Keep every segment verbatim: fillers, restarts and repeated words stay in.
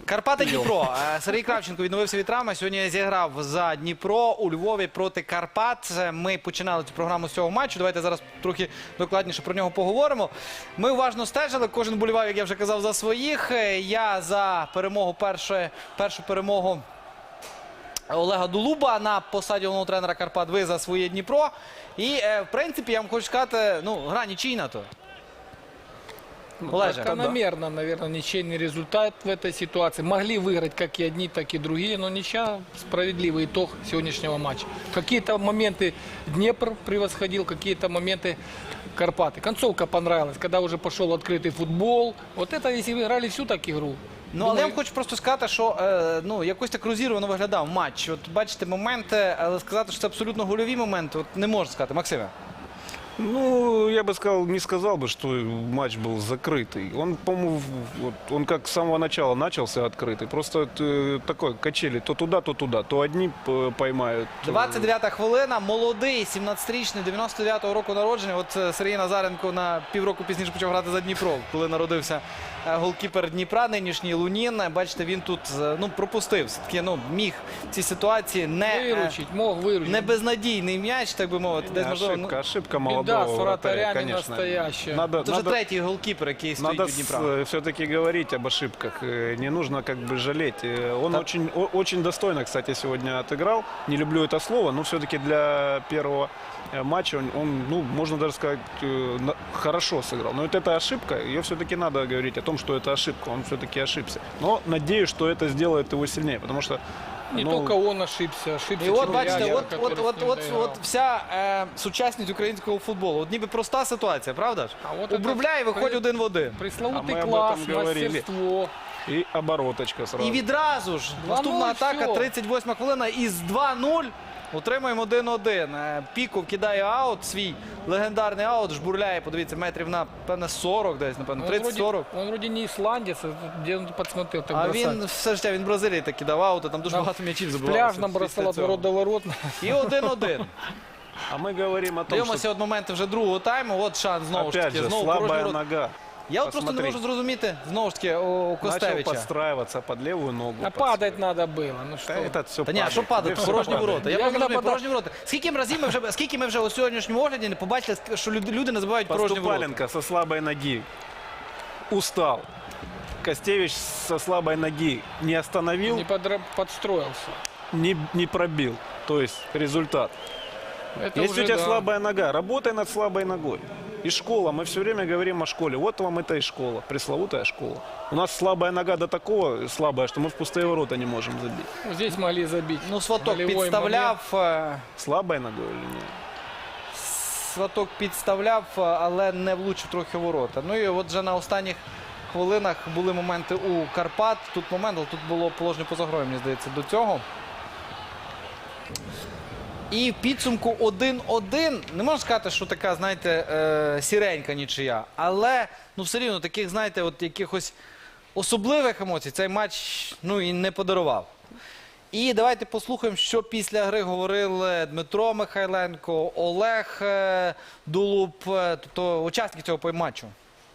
Карпати Дніпро. Сергій Кравченко відновився від травми. Сьогодні зіграв за Дніпро у Львові проти Карпат. Ми починали цю програму з цього матчу. Давайте зараз трохи докладніше про нього поговоримо. Ми уважно стежили. Кожен болівав, як я вже казав, за своїх. Я за перемогу, першу, першу перемогу Олега Дулуба на посаді головного тренера Карпат. Ви за своє Дніпро. І, в принципі, я вам хочу сказати, ну, гра нічийна то. Закономерно, наверное, ничейный результат в этой ситуации. Могли выиграть как и одни, так и другие, но ничья — справедливый итог сегодняшнего матча. Какие-то моменты Днепр превосходил, какие-то моменты Карпаты. Концовка понравилась, когда уже пошел открытый футбол. Вот это, если вы играли всю так игру. Ну, але я вам хочу просто сказати, що е, ну, якось так розірвано виглядав матч. От бачите моменти, але сказати, що це абсолютно гольові моменти, от не можна сказати. Максиме? Ну, я бы сказал, не сказал бы, что матч был закрытый. Он, по-моему, вот, он как с самого начала начался открытый. Просто э, такой качели то туда, то туда. То одни поймают. двадцять дев'ята хвилина. Молодий, сімнадцятирічний, дев'яносто дев'ятого року народження. От Сергій Назаренко на півроку пізніше почав грати за Дніпро, коли народився голкіпер Дніпра, нинішній Лунін. Бачите, він тут ну, пропустив. Все-таки ну, міг в цій ситуації не, виручить, мог виручить. Не безнадійний м'яч, так би мовити. Десь, можливо, ошибка, ну... ошибка молодого Да, вратаря, не конечно. настоящая. Надо, Це вже надо, третій голкіпер, який стоїть у Дніпра. Надо все-таки говорить об ошибках. Не нужно как бы жалеть. Он так. очень, очень достойно, кстати, сегодня отыграл. Не люблю это слово, но все-таки для первого матча он, он, ну, можно даже сказать, хорошо сыграл. Но вот эта ошибка, ее все-таки надо говорить о том, что это ошибка. Он все-таки ошибся. Но надеюсь, что это сделает его сильнее, потому что Не ну, только он ошибся, ошибся. І от, Червяк, бачите, от, который от, с от, ним от, доиграл. от вся е, сучасність українського футболу. От ніби проста ситуація, правда ж? А от Обробляє і це виходить при- один в один. А Пресловутый мы об класс, этом говорили. мастерство. и обороточка сразу. І відразу ж два нуль, наступна атака, всьо. тридцять восьма хвилина, із два нуль отримуємо один один. Е, Піков кидає аут, свій легендарний аут, жбурляє, подивіться, метрів на, певне, сорок десь, напевно, Он вроде, тридцять-сорок. он вроде не исландец, а где он подсмотрел так А бросать. він все життя, він в Бразилії так кидав аути, там дуже На багато м'ячів В забивалося. пляжном бросал після от цього. ворот до ворот. І один один. А мы говорим о том, Дивимося что от моменти вже другого тайму, от шанс знову ж опять таки, же знову порожній слабая ворот. нога. Я от просто не Посмотри. можу зрозуміти, знову ж таки, у Начал Костевича. подстраиваться под левую ногу. А падать надо было. Ну что? Да, это все Та ні, а що падати? Порожні ворота. Я Я просто розумію, нападав. порожні ворота. Скільки разів ми вже, скільки ми вже у сьогоднішньому огляді не побачили, що люди, люди не забувають порожні ворота. Поступаленко со слабой ноги устал. Костевич со слабой ноги не остановил, Не подра- подстроился. не, не пробил. То есть результат. Это Если уже, у тебя да. слабая нога, работай над слабой ногой. И школа, мы все время говорим о школе. Вот вам это и школа, пресловутая школа. У нас слабая нога до такого слабая, что мы в пустые ворота не можем забить. Ну, здесь могли забить. Ну, Сваток Голевой підставляв, е, Слабой ногой или нет? Сваток підставляв, е, але не влучив трохи в ворота. Ну і от вже на останніх хвилинах були моменти у Карпат. Тут момент, але тут було положення поза грою, мені здається, до цього. І в підсумку один один. Не можна сказати, що така, знаєте, е, сіренька нічия. Але, ну, все рівно, таких, знаєте, от якихось особливих емоцій цей матч, ну, і не подарував. І давайте послухаємо, що після гри говорили Дмитро Михайленко, Олег е, Дулуб, е, тобто учасники цього матчу.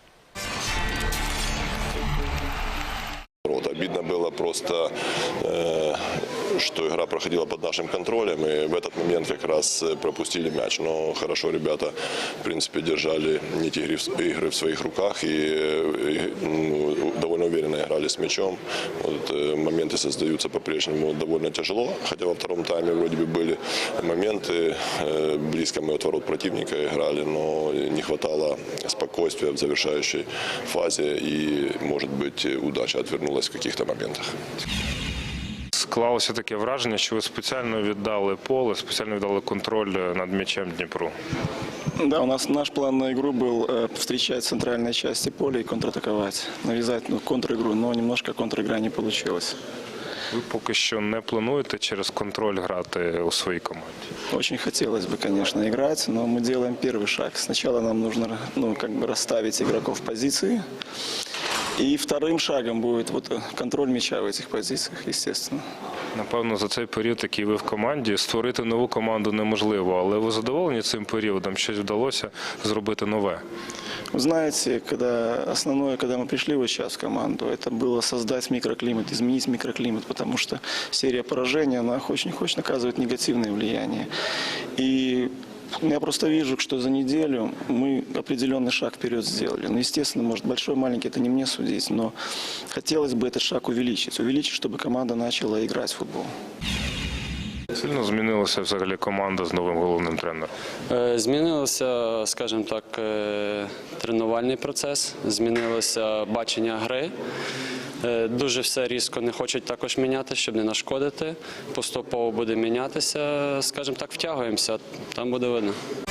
Вот, обидно было просто, э, что игра проходила под нашим контролем, и в этот момент как раз пропустили мяч. Но хорошо ребята, в принципе, держали нить игры, игры в своих руках и, и ну, довольно уверенно играли с мячом. Вот, э, моменты создаются по-прежнему довольно тяжело, хотя во втором тайме вроде бы были моменты, э, близко мы от ворот противника играли, но не хватало спокойствия в завершающей фазе, и, может быть, удача отвернулась в каких-то моментах. Склалося таке враження, що ви спеціально віддали поле, спеціально віддали контроль над м'ячем Дніпру. Да, у нас наш план на игру был э, встречать центральные части поля и контратаковать, навязать ну, контр-игру, но немножко контр-игра не получилась. Ви поки що не плануєте через контроль грати у своїй команді? Очень хотелось бы, конечно, играть, но мы делаем первый шаг. Сначала нам нужно ну, как бы расставить игроков в позиции, и вторым шагом будет вот контроль мяча в этих позициях, естественно. Напевно, за цей період, який ви в команді, створити нову команду неможливо, але ви задоволені цим періодом? Щось вдалося зробити нове? Вы знаете, когда основное, когда мы пришли вот сейчас в команду, это было создать микроклимат, изменить микроклимат, потому что серия поражений, она хочет не хочет оказывает негативное влияние. И я просто вижу, что за неделю мы определенный шаг вперед сделали. Ну, естественно, может, большой, маленький, это не мне судить, но хотелось бы этот шаг увеличить. Увеличить, чтобы команда начала играть в футбол. Сильно змінилася взагалі команда з новим головним тренером. Е, Змінився, скажімо так, е, тренувальний процес, змінилося бачення гри. Е, Дуже все різко не хочуть також міняти, щоб не нашкодити. Поступово буде мінятися, скажімо так, втягуємося, там буде видно.